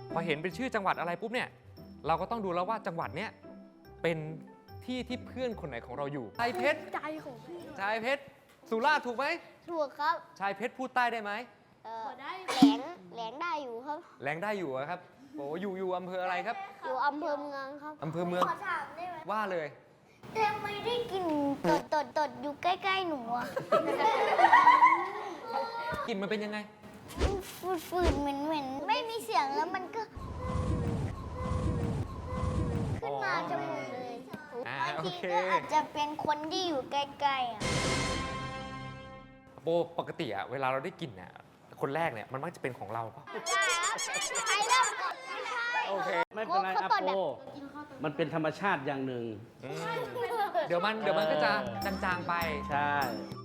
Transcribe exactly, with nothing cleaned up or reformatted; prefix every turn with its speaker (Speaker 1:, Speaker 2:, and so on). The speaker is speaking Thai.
Speaker 1: พอเห็นเป็นชื่อจังหวัดอะไรปุ๊บเนี่ยเราก็ต้องดูแล้วว่าจังหวัดเนี้ยเป็นที่ที่เพื่อนคนไหนของเราอยู่ชายเพชร
Speaker 2: ใจของพี่
Speaker 1: ชายเพชรสุราษฎร์ถูกไหม
Speaker 2: ถูกครับ
Speaker 1: ชายเพชรพูดใต้ได้ไหม
Speaker 2: เออแหลงแหลงได้อยู่ครับ
Speaker 1: แรงได้อยู่อะครับโอ้อยู่อยู่อำเภออะไรครับ
Speaker 2: อยู่อำเภอเมืองครับ
Speaker 1: อำเภอเมือง
Speaker 2: ขอถามได้ไหม
Speaker 1: ว่าเลย
Speaker 2: แต่ไม่ได้กลินตดตดตดอยู่ใกล้ๆหนูอะ
Speaker 1: กลิ่นมันเป็นยังไง
Speaker 2: ฝืดฝืดเหม็นเหม็นไม่มีเสียงแล้วมันก็ขึ้นมาจมูกเลย
Speaker 1: อ่า
Speaker 2: บาง
Speaker 1: โอ
Speaker 2: ที
Speaker 1: เค
Speaker 2: ก็อาจจะเป็นคนที่อยู่ใกล้ๆอะ
Speaker 1: โบปกติอะเวลาเราได้กลิ่นเนี่ยคนแรกเนี่ยมันมักจะเป็นของเราปะ
Speaker 2: ได้ครับใครเริ่มก่อนไม่ใช่
Speaker 1: โอเค
Speaker 3: ไม่เป็นไร
Speaker 2: เขา
Speaker 3: อา
Speaker 2: เปิด
Speaker 3: โป
Speaker 2: แบบ
Speaker 3: มันเป็นธรรมชาติอย่างหนึ่ง
Speaker 1: อืมเดี๋ยวมันเดี๋ยวมันก็จะจางๆไป
Speaker 3: ใช่